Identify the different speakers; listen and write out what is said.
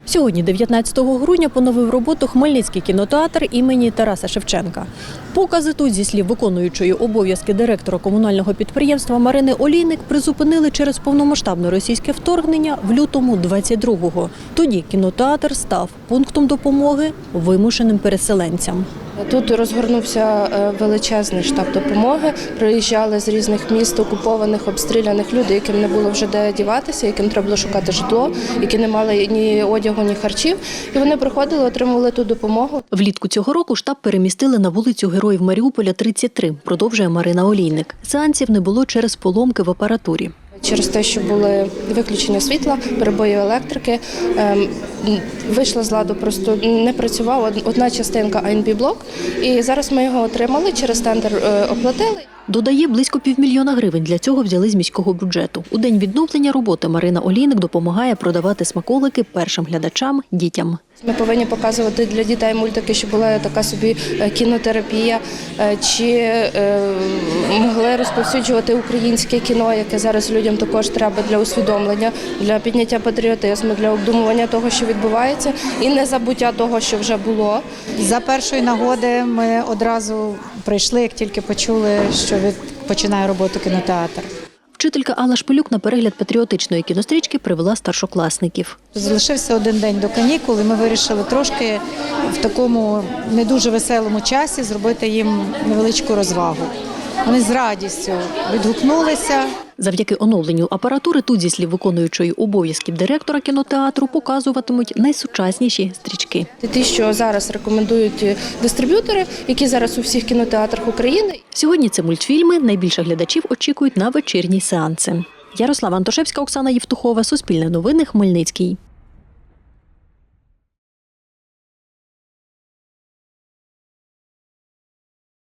Speaker 1: Сьогодні, 19 грудня, поновив роботу Хмельницький кінотеатр імені Тараса Шевченка. Покази тут, зі слів виконуючої обов'язки директора комунального підприємства Марини Олійник, призупинили через повномасштабне російське вторгнення в лютому 22-го. Тоді кінотеатр став пунктом допомоги вимушеним переселенцям.
Speaker 2: Тут розгорнувся величезний штаб допомоги. Приїжджали з різних міст, окупованих, обстріляних людей, яким не було вже де діватися, яким треба було шукати житло, які не мали ні одягу, ні харчів. І вони приходили, отримували ту допомогу.
Speaker 1: Влітку цього року штаб перемістили на вулицю Героїв Маріуполя, 33, продовжує Марина Олійник. Сеансів не було через поломки в апаратурі.
Speaker 2: Через те, що були виключення світла, перебої електрики, вийшла з ладу, просто не працювала одна частинка АНБ-блок. І зараз ми його отримали, через тендер оплатили.
Speaker 1: Додає, близько 500 000 гривень для цього взяли з міського бюджету. У день відновлення роботи Марина Олійник допомагає продавати смаколики першим глядачам – дітям.
Speaker 2: Ми повинні показувати для дітей мультики, щоб була така собі кінотерапія, чи могли розповсюджувати українське кіно, яке зараз людям також треба для усвідомлення, для підняття патріотизму, для обдумування того, що відбувається, і незабуття того, що вже було.
Speaker 3: За першої нагоди ми одразу прийшли, як тільки почули, що починає роботу кінотеатр.
Speaker 1: Вчителька Алла Шпилюк на перегляд патріотичної кінострічки привела старшокласників.
Speaker 3: Залишився один день до канікул, і ми вирішили трошки в такому не дуже веселому часі зробити їм невеличку розвагу. Вони з радістю відгукнулися.
Speaker 1: Завдяки оновленню апаратури тут, зі слів виконуючої обов'язків директора кінотеатру, показуватимуть найсучасніші стрічки.
Speaker 2: Ті, що зараз рекомендують дистриб'ютори, які зараз у всіх кінотеатрах України.
Speaker 1: Сьогодні це мультфільми, найбільше глядачів очікують на вечірні сеанси. Ярослава Антошевська, Оксана Євтухова, Суспільне новини, Хмельницький.